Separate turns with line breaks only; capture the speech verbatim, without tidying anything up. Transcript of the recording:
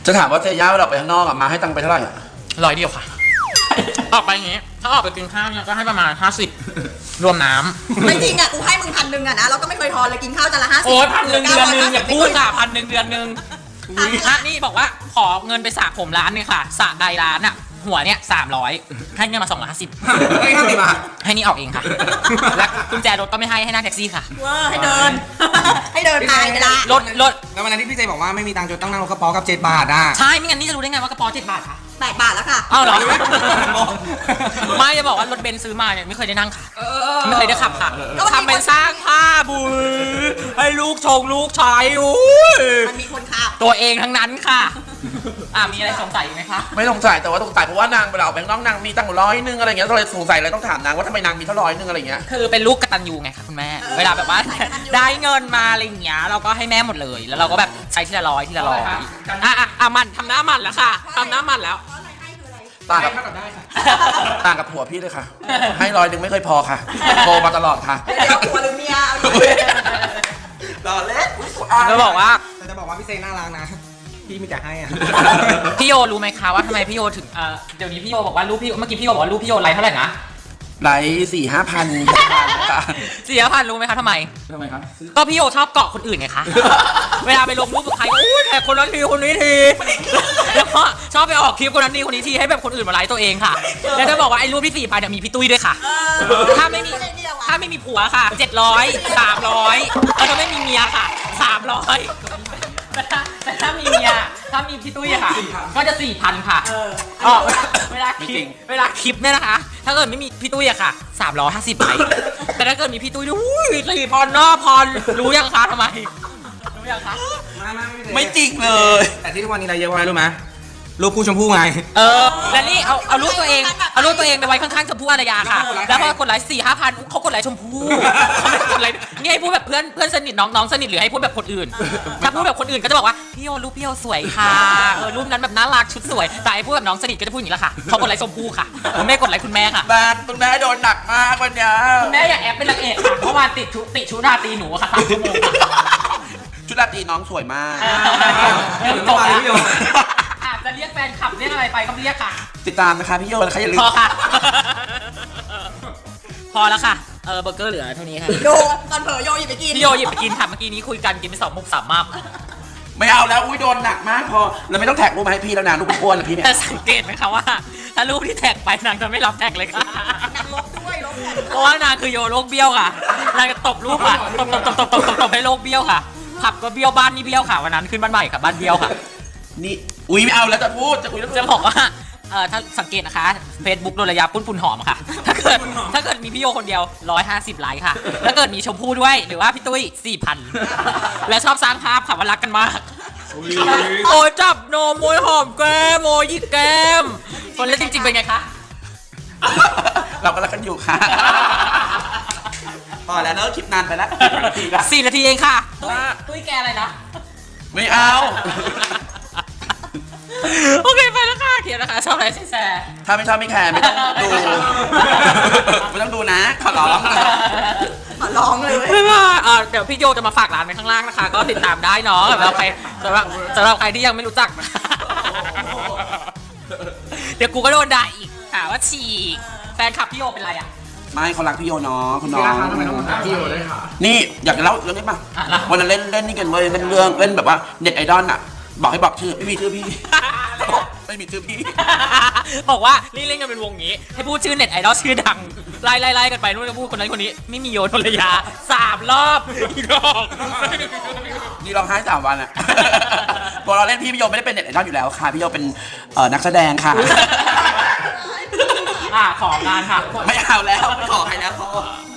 จะถามว่าเจย่าเราไปข้างนอกอะมาให้ตังค์ไปเท่าไหร่อะ
ร้อยเดียวค่ะออกไปอย่างงี้ถ้าออกไปกินข้าวเนี่ยก็ให้ประมาณห้าสิบรวมน้ำ
ไม่จริงอ่ะกูให้มึงพันหนึ่งอ่ะนะเราก็ไม่เคยทอนเลยกินข้าวจานละห้าสิบ
โอ้ยพันหนึ่งเดือนหนึ่งอย่าพูดค่ะพันหนึ่งเดือนหนึ่งนี่บอกว่าขอเงินไปสระผมร้านนึงค่ะสระใดร้านอ่ะหัวเนี่ยสามร้อยให้เงินมาสองร้อยห้าสิบ
ให้ห้าสิบบาท
ให้นี่ออกเองค่ะและกุญแจรถก็ไม่ให้ให้นั่งแท็กซี่ค่ะ
ว้าให้เดินให้เดินตายไปละ
รถรถ
แล้ววันนั้นที่พี่เจบอกว่าไม่มีตังค์จนต้องนั่งรถกระป๋อกับเจ็ดบาทอ่ะ
ใช่ไม่งั้นนี่จะรู้ได้ไงว่ากระป๋อเจ็ดบาทค่ะ
แปดบาทแล้วค่ะ
อ้าวเหรอไม่จะบอกว่ารถเบนซ์ซื้อมาเนี่ยไม่เคยได้นั่งค่ะไม่เคยได้ขับค่ะทำเป็นสร้างภาพบุญให้ลูกชงลูกชายอุ้ย
มันมีคนขับ
ตัวเองทั้งนั้นค่ะอ่ามีอะไรสงสัยไหมคะ
ไม่สงสัยแต่ว่าสงสัยเพราะว่านางเวลาแบงค์น้องนางมีตั้งร้อยนึงอะไรเงี้ยก็เลยสงสัยเลยต้องถามนางว่าทำไมนางมีเท่าร้อยนึงอะไรเงี้ย
คือเป็นลูกกตัญญูไงคะคุณแม่เวลาแบบว่าได้เงินมาอะไรอย่างเงี้ยเราก็ให้แม่หมดเลยแล้วเราก็แบบใช้ทีละร้อยทีละร้อยอ่ะอ่ะอ่ะมันทำหน้ามันแล้วค่ะทำหน้ามันแล้ว
ต่างกับต่างกับผัวพี่เลยค่ะให้ร้อยนึงไม่เคยพอค่ะโทรมาตลอดค่ะ
เดี๋ยวผัวหรือเมีย
รอเล่น
จะบอกว่า
จะบอกว่าพี่เซน่ารักนะพี่มีแต่ให้อ่ะ
พี่โยรู้ไหมคะว่าทำไมพี่โยถึงเอ่อเดี๋ยวนี้พี่โยบอกว่ารูปพี่เมื่อกี้พี่โยบอกว่ารูปพี่โยไลค์เท่าไหร่นะ
ไลค์สี่ห้าพัน
สี่ห้าพันรู้ไหมคะทำไม
ทำไมครับ
ก็พี่โยชอบเกาะคนอื่นไงคะเวลาไปลงรูปกับใครก็อุ้ยแท็กคนนั้นทีคนนี้ทีแล้วก็ชอบไปออกคลิปคนนั้นทีคนนี้ทีให้แบบคนอื่นมาไลค์ตัวเองค่ะแล้วจะบอกว่าไอ้รูปที่สี่พันเนี่ยมีพี่ตุ้ยด้วยค่ะถ้าไม่มีถ้าไม่มีผัวค่ะเจ็ดร้อยสามร้อยแล้วก็ไม่มีเมียค่ะสามร้อยแต่ถ้าแต่ถ้ามีเมียถ้ามีพี่ตุ้ยอะค่ะก็จะสี่พันค่ะอ๋อเวลาคลิปเวลาคลิปเนี่ยนะคะถ้าเกิดไม่มีพี่ตุ้ยอะค่ะสามร้อยห้าสิบไลค์แต่ถ้าเกิดมีพี่ตุ้ยอุ้ยสี่พันเนาะพรรู้ยังคะทำไมรู้ยังคะ
ไม่จริงเลย
แต่ที่ทุกวันนี้อะไรเยอะกว่ารู้ไหมรูปคู่ชมพู่ไง
เออแล้วนี่เอาเอารูปตัวเองเอารูปตัวเองไปไว้ข้างๆชมพู่อารยาค่ะแล้วพอกดไลค์สี่ห้าพันเขากดไลค์ชมพู่เขาไม่กดไลค์นี่ให้พูดแบบเพื่อนเพื่อนสนิทน้องน้องสนิทหรือให้พูดแบบคนอื่นถ้าพูดแบบคนอื่นก็จะบอกว่าพี่โยรูปพี่โยสวยค่ะเออรูปนั้นแบบน่ารักชุดสวยแต่ไอ้พูดแบบน้องสนิทก็จะพูดอย่างนี้แหละค่ะเขากดไลค์ชมพู่ค่ะคุณแม่กดไลค์คุณแม่ค่ะ
บ้านคุณแม่โดนหนักมากวันนี้
คุณแม่อยากแอบเป็นนางเอกค่ะเมื่อวานติดชุดติดชุดราตรีหนูค่ะสามชั่วโมง
ชุดราตรีน้องสวยมาก
จบแล้วจะเรียกแฟนคลับเรียกอะไรไปก็เรียกค่ะ
ติดตามนะคะพี่โยนะคะอย่าลืม
พอค่ะพอแล้วค่ะเออเบอร์เกอร์เหลือเท่านี้ค่ะ
โยตอนเผลอโยหยิบไปกิน
พี่โยหยิบไปกินค่ะเมื่อกี้นี้คุยกันกินไปสองมุกสามมับ
ไม่เอาแล้วอุ้ยโดนหนักมากพอเราไม่ต้องแท็กรูปมาให้พี่แล้วนะรูปอ้วนนะพี่เนี่ย
แต่สังเกตไหมคะว่าถ้ารูปที่แท็กไปนางจะไม่รับแท็กเลยค่ะ
นางลบด้วยลบแท็ก
เพราะว่านางคือโยโลกเบี้ยวค่ะนางจะตบรูปค่ะตบตบตบตบตบตบตบให้โลกเบี้ยวค่ะผับก็เบี้ยวบ้านนี่เบี้ยวค่ะวันนั้นขึ้นบ้านใหม่ค่ะบ้านเบี้ยวค่ะ
นี่อุ้ยไม่เอาแล้วจะพูดจะคุย
จะบอกว่าเออถ้าสังเกตนะคะ Facebook โดนระยะปุ้นฝุ่นหอมค่ะถ้าเกิดถ้าเกิดมีพี่โยคนเดียวหนึ่งร้อยห้าสิบไลค์ค่ะถ้าเกิดมีชมพู่ด้วยหรือว่าพี่ตุ้ย สี่พัน และชอบสร้างภาพค่ะว่ารักกันมากโอ้จับโนมวยหอมแก้มโมยิกแก้มคนเล่นจริงๆเป็นไงคะ
เราก็รักกันอยู่ค่ะพอแล้วเนอะคลิปนานไปแล้ว
สี่นาทีเองค่ะตุ้ยแกอะไรนะ
ไม่เอา
โอเคไปแล้วค่ะเขียนนะคะชอบอะไรแซ่
ถ้าไม่ชอบไม่แคร์ไม่ต้องดูไม่ต้องดูนะขอร้อง
ขอร้องเลย
เดี๋ยวพี่โยจะมาฝากร้านไว้ข้างล่างนะคะก็ติดตามได้เนาะสำหรับใครสำหรับสำหรับใครที่ยังไม่รู้จักเดี๋ยวกูก็โดนด่าอีกค่ะว่าฉีกแฟนคลับพี่โยเป็นไรอ่ะ
ไม่เขารักพี่โยเนาะคุณน้อง
ทำไมต้องรักพี่โยด้วยค่ะ
นี่อยากจะเล่าเรื่องนี้ป่ะวันนั้นเล่นเล่นนี่กันเว้ยเล่นเรื่องเล่นแบบว่าเน็ตไอดอลอ่ะบอกให้บอกชื่อไม่มีชื่อพี่ไม่มีชื่อพี่
บอกว่านี่เล่นกันเป็นวงนี้ให้พูดชื่อเน็ตไอดอลชื่อดังไล่ไล่ไล่กันไปนู่นก็พูดคนนั้นคนนี้ไม่มีโยนภรรยาสามรอบอีกรอบ
นี่ร้องไห้สามวันอ่ะพอเราเล่นพี่พี่โยไม่ได้เป็นเน็ตไอดอลอยู่แล้วค่ะพี่โยเป็นนักแสดงค่ะ
อ่าของงานค่ะ
ไม่เอาแล้วขอให้แล้วขอ